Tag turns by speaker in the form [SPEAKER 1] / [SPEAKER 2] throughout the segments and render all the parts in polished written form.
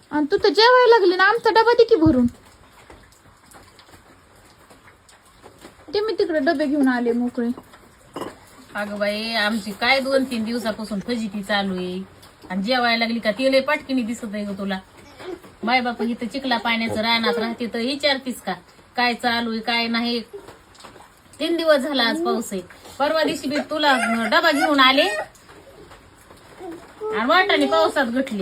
[SPEAKER 1] आणि तू तर जेवायला लागली ना, आमचा डबा दे की भरून. ते मी तिकडे डबे घेऊन आले मोकळे.
[SPEAKER 2] अगं बाई आमची काय 2-3 दिवसापासून फजिती चालू आहे. आणि जेवायला लागली का ती लय पाटकीनी दिसत आहे ग तुला. माय बाप इथं चिखला पाण्याचं रानात राहते तर विचारतीस का काय चालू आहे काय नाही. 3 दिवस झाला आज पाऊस आहे. परवा दिवशी बी तुला डबा घेऊन आले आणि वाटाने पावसात घटली.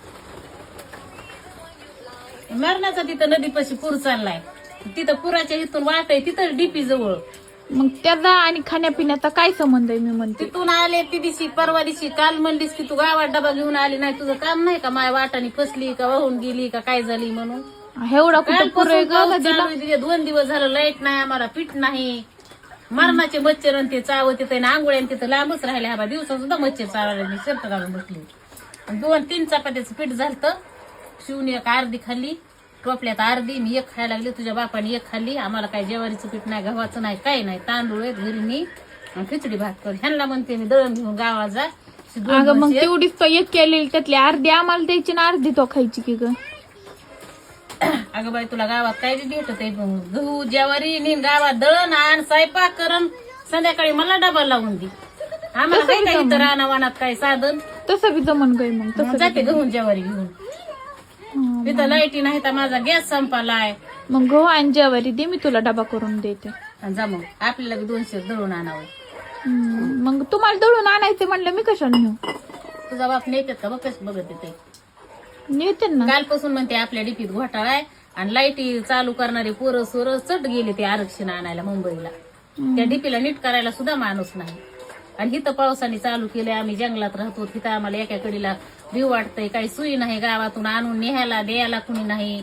[SPEAKER 2] मरणाचा तिथं नदीपाशी पूर चाललाय. तिथं पुराच्या इथून वाट आहे तिथं डीपी जवळ.
[SPEAKER 1] मग त्याचा आणि खाण्यापिण्याचा काय संबंध आहे मी म्हणते.
[SPEAKER 2] तिथून आले ती दिवशी परवा दिवशी काल म्हणलीस की तू गावात डबा घेऊन आली नाही. तुझं काम नाही का माय वाटाने फसली का वाहून गेली का काय झाली म्हणून.
[SPEAKER 1] एवढा कुठं पुर आहे ग नदीला.
[SPEAKER 2] 2 दिवस झालं लाईट नाही आम्हाला पीठ नाही. मरणाचे मच्छर आणि ते चावत येते ना आंघोळ्या तिथं लांबच राहिले. हा दिवसा सुद्धा मच्छर चावायला मी शर्ट घालून बसली. 2-3 चपात्याचं पीठ झालं. शिवून एक अर्धी खाल्ली टोपल्यात अर्धी मी एक खायला लागली. तुझ्या बापाने एक खाल्ली. आम्हाला काय ज्वारीचं पीठ नाही गव्हाचं नाही काही नाही. तांदूळ आहेत घरी मी खिचडी भात कर. ह्यांना म्हणते मी दळण घेऊन गावात जा.
[SPEAKER 1] अगं मग तेवढीच तो एक केलेली त्यातली अर्धी आम्हाला द्यायची ना अर्धी तो खायची की ग.
[SPEAKER 2] अगं बाई तुला गावात काय बी भेटत आहे गहू ज्वारी नीन गावात दळण आण स्वयंपाक करण संध्याकाळी मला डबा लावून दे. आम्हाला काय काय इथं रानावानात काय साधन.
[SPEAKER 1] तसं बी जमन गय मग तसं
[SPEAKER 2] जाते गहू ज्वारी घेऊन. तिथं लाईटी नाही तर माझा गॅस संपालाय.
[SPEAKER 1] मग गहू आणि ज्वारी दे मी तुला डबा करून देते.
[SPEAKER 2] जा मग आपल्याला बी 200 दळून आणावं.
[SPEAKER 1] मग तुम्हाला दळून आणायचं म्हणलं मी कशाने नेऊ.
[SPEAKER 2] तुझा बाप नेतात का बघ कसं बघत येते.
[SPEAKER 1] नेते ना.
[SPEAKER 2] कालपासून म्हणते आपल्या डिपीत घोटाळा आहे आणि लाईटी चालू करणारे पोरं सोरं चट गेले ते आरक्षण आणायला मुंबईला. त्या डिपीला नीट करायला सुद्धा माणूस नाही. आणि इथं पावसाने चालू केलंय. आम्ही जंगलात राहतो तिथं आम्हाला एका कडीला भीव वाटतंय. काही सुई नाही गावातून आणून न्यायला द्यायला कुणी नाही.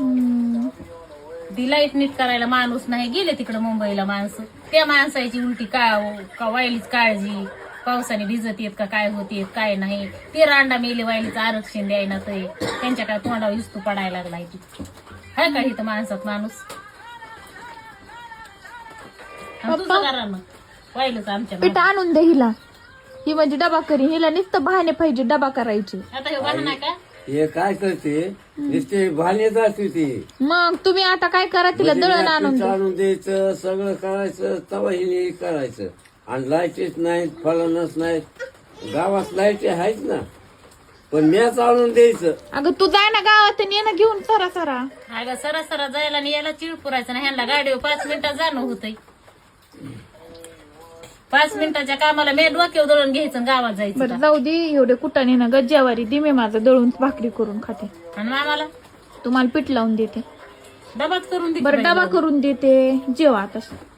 [SPEAKER 2] ती लाईट नीट करायला माणूस नाही. गेले तिकडे मुंबईला माणसं. त्या माणसाची उलटी का वायलीच काळजी. पावसाने भिजत येत का काय होते काय नाही. ते रांडा मेले वायलीचं आरक्षण द्यायला तर त्यांच्या काय तोंडावर हिस्तू पडायला लागलाय. ती हाय का इथं माणसात माणूस. तुझं करा मग वायलच आमच्या
[SPEAKER 1] पीठ आणून दे हिला. ही म्हणजे डबा करी. हिला नुसतं बहाणे पाहिजे डबा करायचे.
[SPEAKER 2] आता हे वाहन आहे का
[SPEAKER 3] हे काय करते नुसते भाले जाते ती.
[SPEAKER 1] मग तुम्ही आता काय करा तिला दळण आणून द्या.
[SPEAKER 3] आणून द्यायचं सगळं करायचं तवा हिने करायचं. आणि लाईटीच नाहीत फलनच नाहीत. गावात लाईटी आहेत ना पण मॅच आणून द्यायचं.
[SPEAKER 1] अगं तू जाय ना गावात आणि ये ना घेऊन सरा सरा.
[SPEAKER 2] अगं सरा जायला आणि याला चिळ पुरायचं ना. ह्यांना गाडीवर 5 मिनिटात जाणं होतंय. 5 मिनिटाच्या कामाला मी डोक्यावर दळून घ्यायचं आणि गावात जायचं.
[SPEAKER 1] बरं जाऊ दे एवढे कुटाने ना गज्जावारी दे मी माझं दळून भाकरी करून खाते.
[SPEAKER 2] आणि मामाला
[SPEAKER 1] तुम्हाला पीठ लावून देते.
[SPEAKER 2] डबाच करून दे.
[SPEAKER 1] बरं डबा करून देते जेवा आता.